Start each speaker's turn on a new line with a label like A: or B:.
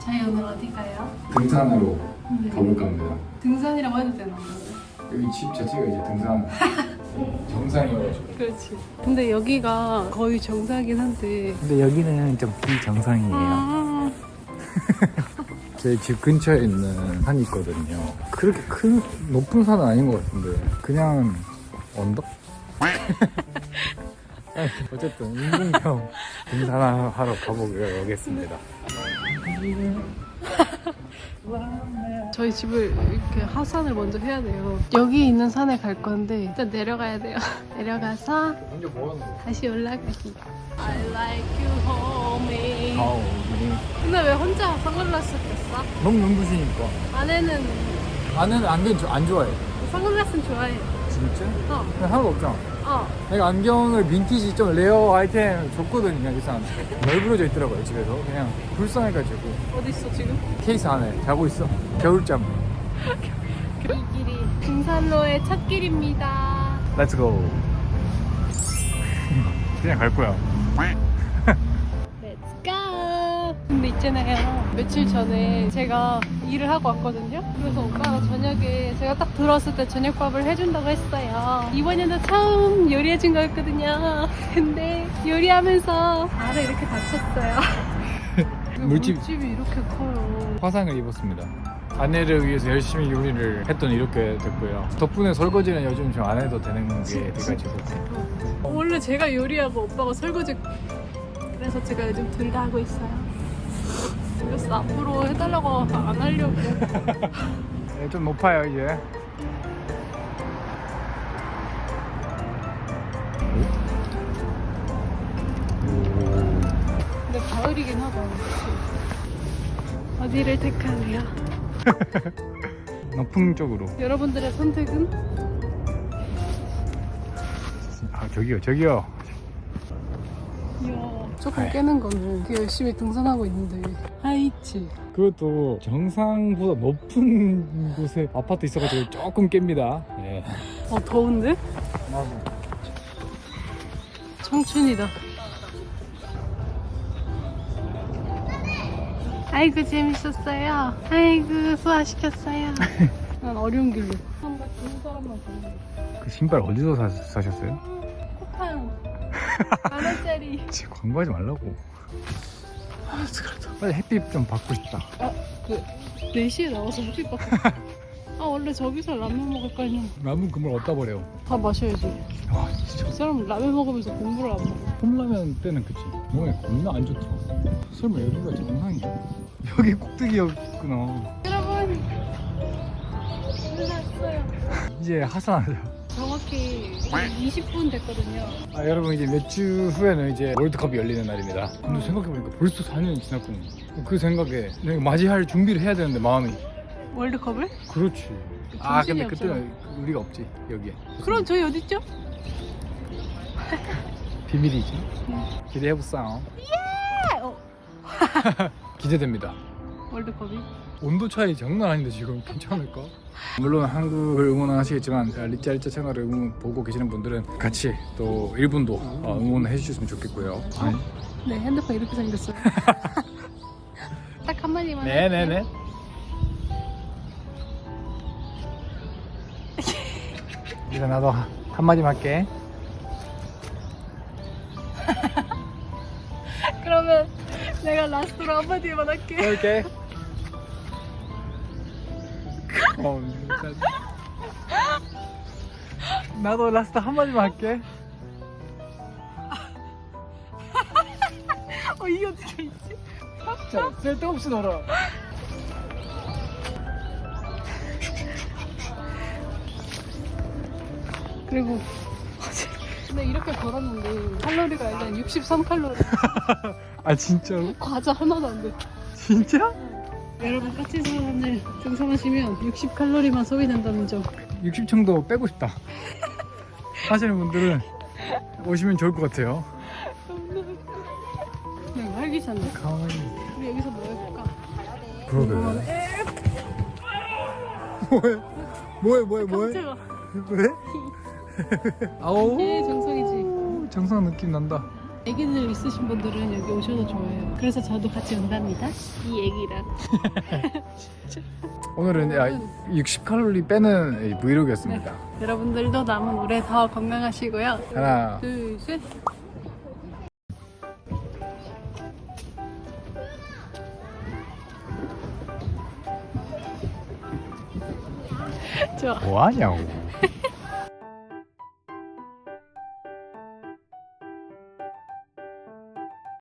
A: 저희 오늘 어디 가요?
B: 등산으로 가볼까 합니다.
A: 등산이라고 해도 되나?
B: 여기 집 자체가 이제 등산 정상이어가지고.
A: 그렇지. 근데 여기가 거의 정상이긴 한데.
B: 근데 여기는 좀 비정상이에요. 제 집 근처에 있는 산이 있거든요. 그렇게 큰 높은 산은 아닌 것 같은데 그냥 언덕? 어쨌든 인공형 등산하러 가보기로 하겠습니다.
A: 저희 집을 이렇게 하산을 먼저 해야 돼요. 여기 있는 산에 갈 건데 일단 내려가야 돼요. 내려가서
B: 먼저 뭐 하는 거야?
A: 다시 올라가기. I like you, homie.
B: 아우,
A: 근데 왜 혼자 선글라스 꼈어?
B: 너무 눈부시니까.
A: 아내는
B: 안에는 안경 안 좋아해.
A: 선글라스는 좋아해.
B: 진짜?
A: 어.
B: 근데 하나도 없잖아.
A: 어.
B: 내가 안경을 빈티지 좀 레어 아이템 줬거든요. 이 사람한테. 널브러져 있더라고요 집에서. 그냥 불쌍해가지고
A: 어디 있어 지금?
B: 케이스 안에 자고 있어. 겨울잠.
A: 이 길이 등산로의 첫 길입니다.
B: Let's go. 그냥 갈 거야.
A: Let's go. 근데 있잖아요. 며칠 전에 제가 일을 하고 왔거든요. 그래서 오빠가 저녁에 제가 딱 들어왔을 때 저녁밥을 해준다고 했어요. 이번에도 처음 요리해준 거였거든요. 근데 요리하면서 발을 이렇게 다쳤어요. 물집이 이렇게 커요.
B: 화상을 입었습니다. 아내를 위해서 열심히 요리를 했더니 이렇게 됐고요. 덕분에 설거지는 요즘 좀 안 해도 되는 게 돼가지고.
A: 원래 제가 요리하고 오빠가 설거지. 그래서 제가 요즘 둘 다 하고 있어요. 그래서 앞으로 해달라고 안 하려고.
B: 네, 좀 높아요 이제.
A: 근데 가을이긴 하다. 어디를 택하세요?
B: 높은 쪽으로.
A: 여러분들의 선택은?
B: 아 저기요.
A: 이야, 조금 깨는 거는 되게 열심히 등산하고 있는데 하이치.
B: 그것도 정상보다 높은 곳에 아파트 있어가지고 조금 깹니다. 네.
A: 더운데? 청춘이다. 아이고 재밌었어요. 아이고 소화시켰어요. 난 어려운 길로 한 사람만 보는
B: 그 신발 어디서 사셨어요?
A: 코팡 10,000원짜리.
B: 지금 광고하지 말라고. 빨리 햇빛 좀 받고 싶다.
A: 그 4시에 나와서 햇빛 받고. 원래 저기서 라면 먹을 거 아니야.
B: 라면 그물 어디다 버려?
A: 다 마셔야지.
B: 와 진짜.
A: 저 사람 라면 먹으면서 공부를 안 먹어.
B: 컵라면 때는 그치. 몸에 겁나 안 좋더라. 설마 여기가 정상이야? 여기 꼭대기였구나.
A: 여러분 끝났어요.
B: 이제 하산하자.
A: 정확히 20분 됐거든요.
B: 여러분 이제 몇 주 후에는 이제 월드컵이 열리는 날입니다. 근데 생각해보니까 벌써 4년이 지났군요. 그 생각에 내가 맞이할 준비를 해야 되는데 마음이.
A: 월드컵을?
B: 그렇지.
A: 정신이
B: 근데 그때는 우리가 없지 여기에.
A: 그럼 저희 어디 있죠?
B: 비밀이지. 기대해보싸. 기대됩니다.
A: 월드컵이?
B: 온도 차이 장난 아닌데 지금 괜찮을까? 물론 한국을 응원하시겠지만 리짜 채널을 보고 계시는 분들은 같이 또 일본도 응원해 주셨으면 좋겠고요.
A: 네, 핸드폰 이렇게 생겼어요. 딱 한마디만.
B: 네네네. 이제 나도 한마디만 할게.
A: 그러면 내가 라스트로 한마디만 할게.
B: 이렇게. 나도 라스트 한마디만 할게.
A: 이게 어떻게 있지?
B: 자, 쓸데없이 놀아.
A: 그리고 근데 이렇게 걸었는데 칼로리가 일단 63칼로리.
B: 아 진짜로?
A: 과자 하나도 안 돼.
B: 진짜?
A: 여러분 까치 사람들 등산하시면 60칼로리만 소비된다는 점.
B: 60층도 빼고 싶다 하시는 분들은 오시면 좋을 것 같아요.
A: 그냥 활기찬데?
B: 가만히.
A: 우리 여기서 뭐 해볼까?
B: 그러게. 뭐해?
A: 깜짝아.
B: 왜? 아우.
A: 이게 정성이지.
B: 정상 느낌 난다.
A: 애기들 있으신 분들은 여기 오셔도 좋아요. 그래서 저도 같이 온답니다. 이 애기랑.
B: 오늘은 60칼로리 빼는 브이로그였습니다.
A: 여러분들도 남은 올해 더 건강하시고요.
B: 하나,
A: 둘, 셋. 좋아.
B: 뭐하냐고.